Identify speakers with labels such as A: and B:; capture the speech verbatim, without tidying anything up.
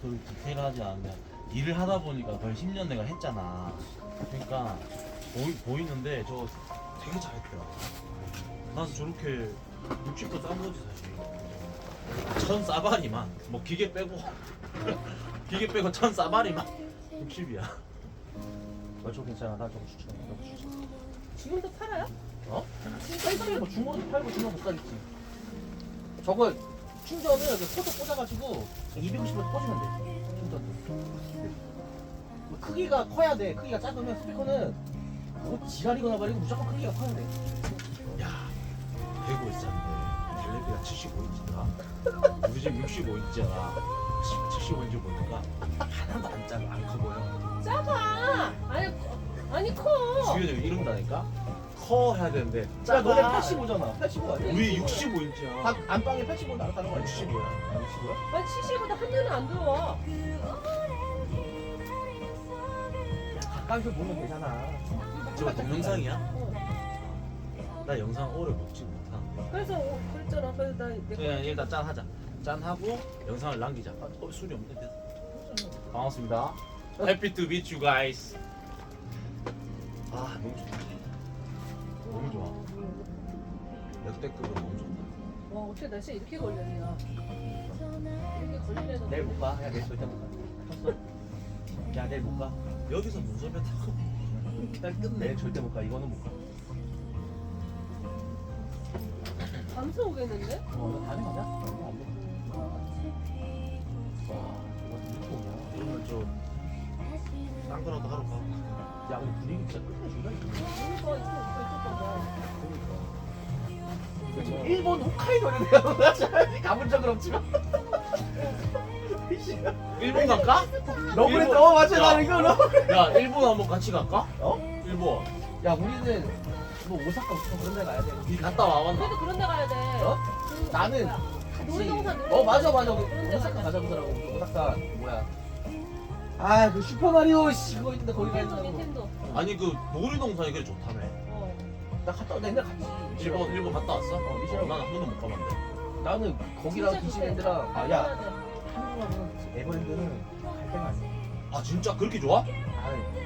A: 그 디테일하지 않은데 일을 하다 보니까 거의 십 년 내가 했잖아. 그러니까 보이, 보이는데 저 되게 잘했더라. 난 저렇게 육십도 싼 거지 사실. 천 싸바리만 뭐 기계 빼고 기계 빼고 천 싸바리만 육십이야. 어, 저 괜찮아. 나 저거 추천. 저거 추천.
B: 지금도 팔아요?
A: 어? 사이즈에 뭐 중고도 팔고 중고 못 사겠지. 저거 충전을 그 코드 꽂아가지고 이백오십으로 꽂으면 돼. 충전도. 뭐 크기가 커야 돼. 크기가 작으면 스피커는 뭐 지랄이거나 말이고 무조건 크기가 커야 돼. 야, 백오 인치인데 텔레비가 칠십오 인치더라. 우리 집 육십오 인치잖아. 칠십오 인치 보니까 하나도 안 작아, 안 커 보여.
B: 작아. 아니 아니 커.
A: 주연이 이런다니까. 커 해야 되는데. 야, 너네 팔십오잖아. 팔십오 아니야? 우리 육십오 인치야. 다 안방에 팔십오 나왔다는 거야. 육십오야. 육십오야?
B: 아니 칠십보다 한 년은 안 들어와.
A: 가까이서 보면 되잖아. 저거 동영상이야?
B: 어.
A: 나 영상 오래 먹지 못하는데.
B: 그래서 어, 그랬잖아. 그래서 나 내가
A: 그냥 일단 짠 하자. 짠 하고 영상을 남기자. 아, 어, 술이 없는데 됐어. 반갑습니다. Happy to meet you guys. 아 너무 좋다. 너무 좋아. 역대급으로 너무 좋다.
B: 와 어떻게 날씨 이렇게 걸렸냐. 이렇게 걸리려는.
A: 내일 못 가. 야 내일 절대 못 가. 컸어. 야 내일 못 가. 여기서 문섭에 타고 그냥 끝내. 내일 절대 못 가. 이거는 못 가.
B: 밤새 오겠는데?
A: 어, 너 다음에 가자. 어, 안 돼. 와, 이거 이렇게 오냐? 이러면 저딴 거라도 하러 가. 야, 우리 분위기 진짜 끝내준다 이거.
B: 그러니까 이거 이거
A: 그러니까. 일본 홋카이도를 내가 가본 적은 없지만. 일본 갈까?
C: 너 그랬다. 어 맞아. 나 이거 너.
A: 야, 일본 한번 같이 갈까?
C: 어?
A: 일본.
C: 야 우리는 뭐 오사카 오사카 그런 데 가야 돼.
A: 니 갔다 와봤나?
B: 그래도 그런 데 가야 돼.
C: 어?
B: 그
C: 나는
B: 뭐야,
C: 같이.
B: 놀이동산
C: 어 맞아 맞아.
B: 그런 데
C: 오사카
B: 가자.
C: 가자 그러더라고. 오사카 뭐야? 아 그 슈퍼마리오 씨 그거 있는데 거기 가야
B: 닌텐도
C: 된다고.
B: 닌텐도.
A: 아니 그 놀이동산이 그래 좋다며.
B: 어.
C: 나 갔다 나 옛날 갔지.
A: 일본 일본 갔다 왔어?
C: 어, 미션.
A: 난 한 번도 못 가봤는데.
C: 나는 거기랑
B: 진짜
C: 디즈니랜드랑
B: 좋대.
C: 아야
B: 가야 돼.
C: 한국하고는 에버랜드는 갈 데가 아니야.
A: 아 진짜 그렇게 좋아?
C: 아